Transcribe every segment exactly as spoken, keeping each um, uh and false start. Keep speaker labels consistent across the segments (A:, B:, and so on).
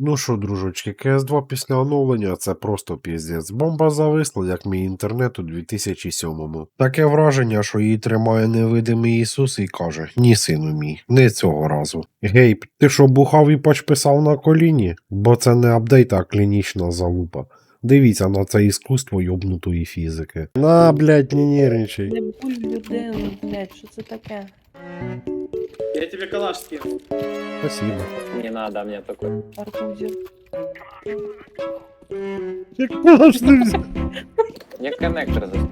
A: Ну що, дружочки, Кс два після оновлення це просто піздець. Бомба зависла, як мій інтернет у дві тисячі сьомому. Таке враження, що її тримає невидимий Ісус і каже: ні, сину мій, не цього разу. Гейб, ти що бухав і пач писав на коліні? Бо це не апдейт, а клінічна залупа. Дивіться на це іскусство йобнутої фізики. На, блядь, не нервничай.
B: Не буль людину, блядь, що це таке?
C: Я тебе калаш скину.
A: Спасибо.
D: Не надо мне такой.
B: Арбузів.
A: Як можна ж ти взяв?
D: Мне коннектор за...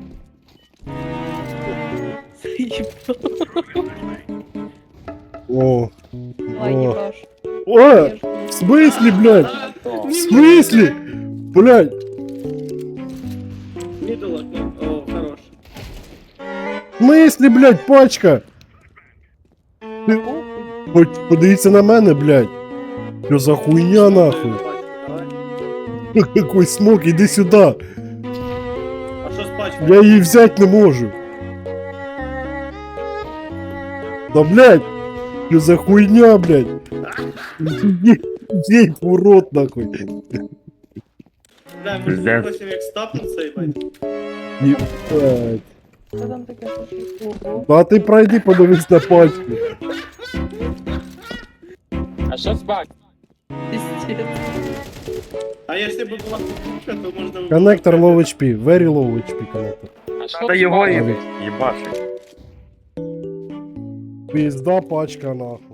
A: О,
B: Ай,
A: о.
B: їбаш.
A: О, в смысле, блядь?
D: Что?
A: В смысле? Блядь.
C: Мидл окно. О, хорош.
A: В смысле, блядь, пачка? Ти- Хоч подивіться на мене, блядь. Що за хуйня, нахуй?
C: Давай.
A: Какой смок, іди сюди.
C: А що з пачкою?
A: Я її взяти не можу. Да, блядь. Що за хуйня, блядь? Ей, урод, нахуй.
C: Бля, ми ж хочемо як стапнуться, їбать.
A: Ебать.
B: Що там таке пошли? Ого.
A: А ти пройди, подивись на пачку.
D: А что с баг?
B: Пиздец.
C: А якщо б була кукушка, то можна... було-
A: Коннектор low эйч пи, very low эйч пи коннектор.
D: А что
E: Та
D: с
E: його
D: багом?
E: і їбашить.
A: Пизда пачка, нахуй.